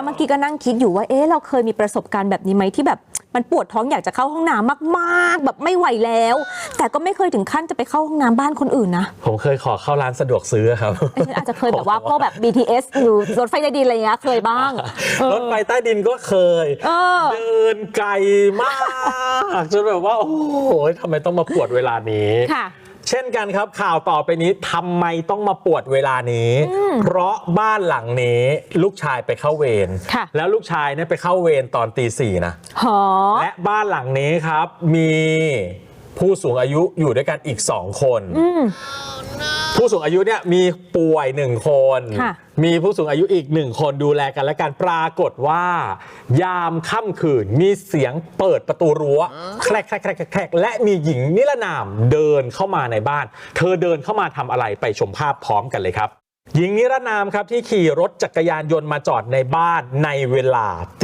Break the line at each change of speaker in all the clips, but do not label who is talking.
มื่อกี้ก็นั่งคิดอยู่ว่าเราเคยมีประสบการณ์แบบนี้ไหมที่แบบมันปวดท้องอยากจะเข้าห้องน้ำมากๆแบบไม่ไหวแล้วแต่ก็ไม่เคยถึงขั้นจะไปเข้าห้องน้ำบ้านคนอื่นนะ
ผมเคยขอเข้าร้านสะดวกซื้อครับ
ฉันอาจจะเคยแบบว่าพวกแบบ BTS หรือรถไฟใต้ดินอะไรเงี้ยเคยบ้าง
รถไฟใต้ดินก็เคยเดินไกลมากจนแบบว่าโอ้โหทำไมต้องมาปวดเวลานี้เช่นกันครับข่าวต่อไปนี้ทำไมต้องมาปวดเวลานี้เพราะบ้านหลังนี้ลูกชายไปเข้าเวรแล้วลูกชายเนี่ยไปเข้าเวรตอนตี 4นะและบ้านหลังนี้ครับมีผู้สูงอายุอยู่ด้วยกันอีก2 คนผู้สูงอายุเนี่ยมีป่วย1 คนมีผู้สูงอายุอีก1 คนดูแลกันและกันปรากฏว่ายามค่ำคืนมีเสียงเปิดประตูรั้วแครกแครกแครกแครกและมีหญิงนิรนามเดินเข้ามาในบ้านเธอเดินเข้ามาทำอะไรไปชมภาพพร้อมกันเลยครับหญิงนิรนามครับที่ขี่รถจักรยานยนต์มาจอดในบ้านในเวลาตี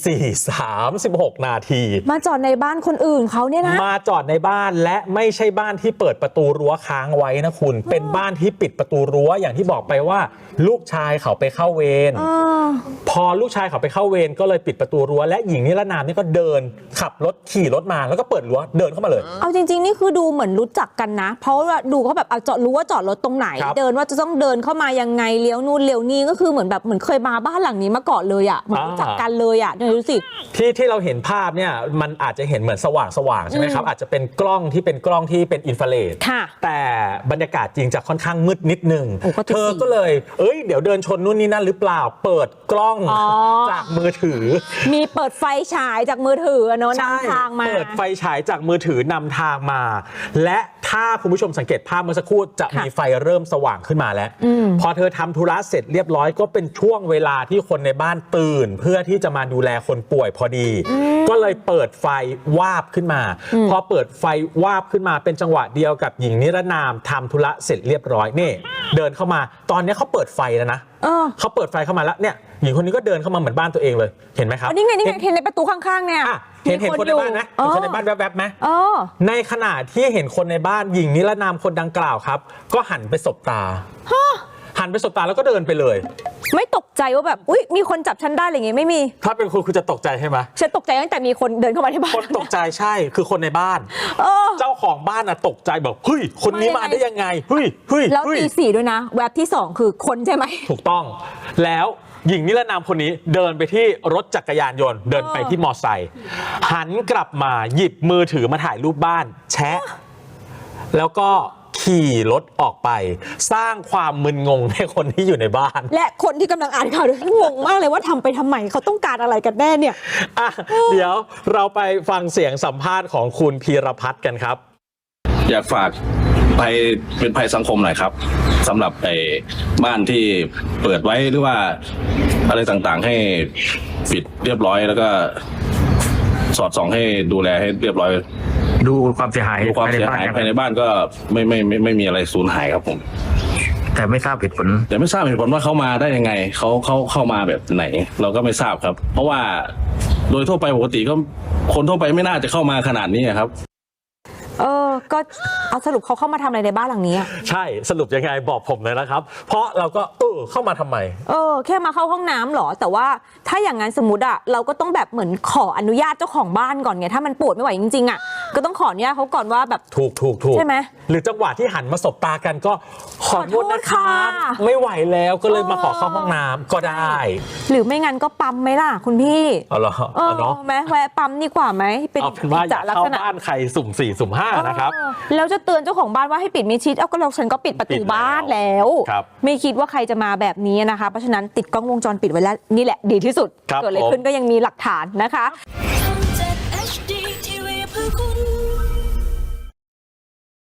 4:36 นาที
มาจอดในบ้านคนอื่นเขาเนี่ยนะ
มาจอดในบ้านและไม่ใช่บ้านที่เปิดประตูรั้วค้างไว้นะคุณเป็นบ้านที่ปิดประตูรั้วอย่างที่บอกไปว่าลูกชายเขาไปเข้าเวรพอลูกชายเขาไปเข้าเวรก็เลยปิดประตูรั้วและหญิงนิรนามนี่ก็เดินขับรถขี่รถมาแล้วก็เปิดรั้วเดินเข้ามาเลย
เอาจริงๆนี่คือดูเหมือนรู้จักกันนะเพราะว่าดูเขาแบบเอารู้ว่าจอดรถตรงไหนเดินว่าจะต้องเดินเข้ามายังไงเลี้ยวนู่นเลี้ยวนี่ก็คือเหมือนแบบเหมือนเคยมาบ้านหลังนี้มาก่อนเลยอ่ะเหมือนรู้จักกันเลยอ่ะดูสิ
ที่เราเห็นภาพเนี่ยมันอาจจะเห็นเหมือนสว่างใช่ไหมครับอาจจะเป็นกล้องที่เป็นอินฟราเรดแต่บรรยากาศจริงจะค่อนข้างมืดนิดนึงเธอก็เลยเดี๋ยวเดินชนนู่นนี่นั่นหรือเปล่าเปิดกล้องจากมือถือ
มีเปิดไฟฉายจากมือถือเนาะนำทางมา
เปิดไฟฉายจากมือถือนำทางมาและถ้าคุณผู้ชมสังเกตภาพเมื่อสักครู่จะมีไฟเริ่มสว่างขึ้นมาแล้วพอเธอทำธุระเสร็จเรียบร้อยก็เป็นช่วงเวลาที่คนในบ้านตื่นเพื่อที่จะมาดูแลคนป่วยพอดีก็เลยเปิดไฟวาบขึ้นมาพอเปิดไฟวาบขึ้นมาเป็นจังหวะเดียวกับหญิงนิรนามทำธุระเสร็จเรียบร้อยนี่เดินเข้ามาตอนนี้เขาเปิดไฟแล้วนะเขาเปิดไฟเข้ามาแล้วเนี่ยหญิงคนนี้ก็เดินเข้ามาเหมือนบ้านตัวเองเลยเห็นไหมครับ
นี่ไงเห็นในประตูข้างๆเนี่ย
เห็นคนในบ้านไหมเห็นคนในบ้านแวบๆไหมในขณะที่เห็นคนในบ้านหญิงนิรนามคนดังกล่าวครับก็หันไปสบตาหันไปสบตาแล้วก็เดินไปเลย
ไม่ตกใจว่าแบบอุ๊ยมีคนจับฉันได้อะไรเงี้ยไม่มี
ถ้าเป็นคุณจะตกใจใช่ไหม
ฉันตกใจตั้งแต่มีคนเดินเข้ามาที่บ้าน
คนตกใจใช่คือคนในบ้านเจ้าของบ้านตกใจแบบเฮ้ยคนนี้มาได้ยังไงเฮ้ย
แล้วตี 4ด้วยนะแวบที่2คือคนใช่ไหม
ถูกต้องแล้วหญิงนิรนามคนนี้เดินไปที่รถจักรยานยนต์เดินไปที่มอไซค์หันกลับมาหยิบมือถือมาถ่ายรูปบ้านแชะแล้วก็ขี่รถออกไปสร้างความมึนงงให้คนที่อยู่ในบ้าน
และคนที่กำลังอ่านข่าวงงมากเลยว่าทำไปทำไมเขาต้องการอะไรกันแน่เนี่ย
เดี๋ยวเราไปฟังเสียงสัมภาษณ์ของคุณพีรพัฒน์กันครับ
อยากฝากเป็นภัยสังคมหน่อยครับสำหรับบ้านที่เปิดไว้หรือว่าอะไรต่างๆให้ปิดเรียบร้อยแล้วก็สอดส่องให้ดูแลให้เรียบร้อย
ดูความเสียหาย
ภายในบ้านก็ไม่มีอะไรสูญหายครับผม
แต่ไม่ทราบเหตุผล
ว่าเขามาได้ยังไงเขาเข้ามาแบบไหนเราก็ไม่ทราบครับเพราะว่าโดยทั่วไปปกติก็คนทั่วไปไม่น่าจะเข้ามาขนาดนี้ครับ
ก็เอาสรุปเขาเข้ามาทำอะไรในบ้านหลังนี้
ใช่สรุปยังไงบอกผมเลยนะครับเพราะเราก็เข้ามาทำไม
แค่มาเข้าห้องน้ำหรอแต่ว่าถ้าอย่างนั้นสมมติเราก็ต้องแบบเหมือนขออนุญาตเจ้าของบ้านก่อนไงถ้ามันปวดไม่ไหวจริงๆก็ต้องขออนุญาตเขาก่อนว่าแบบ
ถูก
ใช่ไหม
หรือจังหวะที่หันมาสบตากันก็ขอโทษนะคะไม่ไหวแล้วก็เลยมาขอเข้าห้องน้ำก็ได้
หรือไม่งั้นก็ปั๊มไหมล่ะคุณพี่
เหรอเนาะ
แม้แวะปั๊มดีกว่าไหม
เป็นว่าอย่าเข้าบ้านใครสุ่ม 4 สุ่ม 5นะครับ
แล้วจะเตือนเจ้าของบ้านว่าให้ปิดมิดชิดก็ฉันก็ปิดประตูบ้านแล้วไม่คิดว่าใครจะมาแบบนี้นะคะเพราะฉะนั้นติดกล้องวงจรปิดไว้แล้วนี่แหละดีที่สุดเกิดอะไรขึ้นก็ยังมีหลักฐานนะคะ